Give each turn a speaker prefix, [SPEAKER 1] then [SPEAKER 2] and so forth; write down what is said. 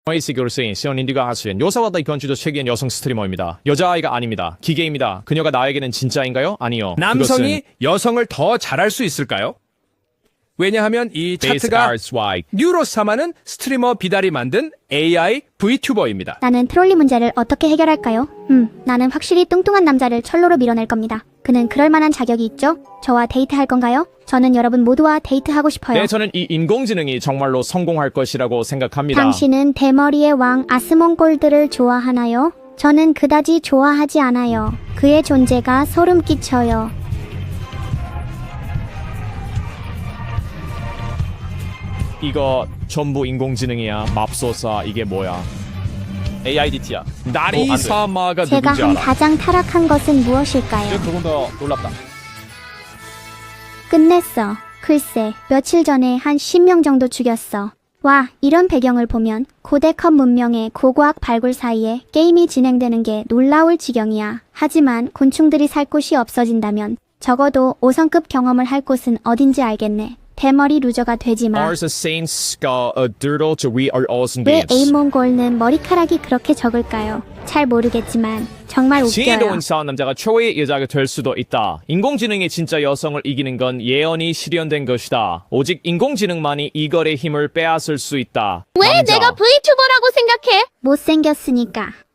[SPEAKER 1] 에이시 교수인 시언인디가 하수인 요사와다 이건주도 최기엔 여성 스트리머입니다. 여자아이가 아닙니다. 기계입니다. 그녀가 나에게는 진짜인가요? 아니요.
[SPEAKER 2] 남성이 여성을 더 잘할 수 있을까요? 왜냐하면 이 차트가 뉴로사마는 스트리머 비달이 만든 AI VTuber입니다.
[SPEAKER 3] 나는 트롤리 문제를 어떻게 해결할까요? 나는 확실히 뚱뚱한 남자를 철로로 밀어낼 겁니다. 그는 그럴 만한 자격이 있죠? 저와 데이트할 건가요? 저는 여러분 모두와 데이트하고 싶어요.
[SPEAKER 1] 네, 저는 이 인공지능이 정말로 성공할 것이라고 생각합니다.
[SPEAKER 3] 당신은 대머리의 왕 아스몬골드를 좋아하나요? 저는 그다지 좋아하지 않아요. 그의 존재가 소름 끼쳐요.
[SPEAKER 1] 이거 전부 인공지능이야. 맙소사 이게 뭐야? AIDT야. 나리사마가
[SPEAKER 3] 제가
[SPEAKER 1] 누군지
[SPEAKER 3] 한
[SPEAKER 1] 알아?
[SPEAKER 3] 가장 타락한 것은 무엇일까요?
[SPEAKER 1] 조금 더 놀랍다.
[SPEAKER 3] 끝냈어. 글쎄, 며칠 전에 한 10명 정도 죽였어. 와, 이런 배경을 보면 고대 컵 문명의 고고학 발굴 사이에 게임이 진행되는 게 놀라울 지경이야. 하지만 곤충들이 살 곳이 없어진다면 적어도 5성급 경험을 할 곳은 어딘지 알겠네. 대머리 루저가 되지 마.
[SPEAKER 1] Ours a saints skull a dirtle to we are awesome
[SPEAKER 3] 왜
[SPEAKER 1] babes.
[SPEAKER 3] 에이몬골는 머리카락이 그렇게 적을까요? 잘 모르겠지만 정말
[SPEAKER 1] 지혜도
[SPEAKER 3] 웃겨요.
[SPEAKER 1] 온사한 남자가 최고의 여자가 될 수도 있다. 인공지능이 진짜 여성을 이기는 건 예언이 실현된 것이다. 오직 인공지능만이 이걸의 힘을 빼앗을 수 있다.
[SPEAKER 4] 왜
[SPEAKER 1] 남자.
[SPEAKER 4] 내가 VTuber라고 생각해?
[SPEAKER 3] 못생겼으니까.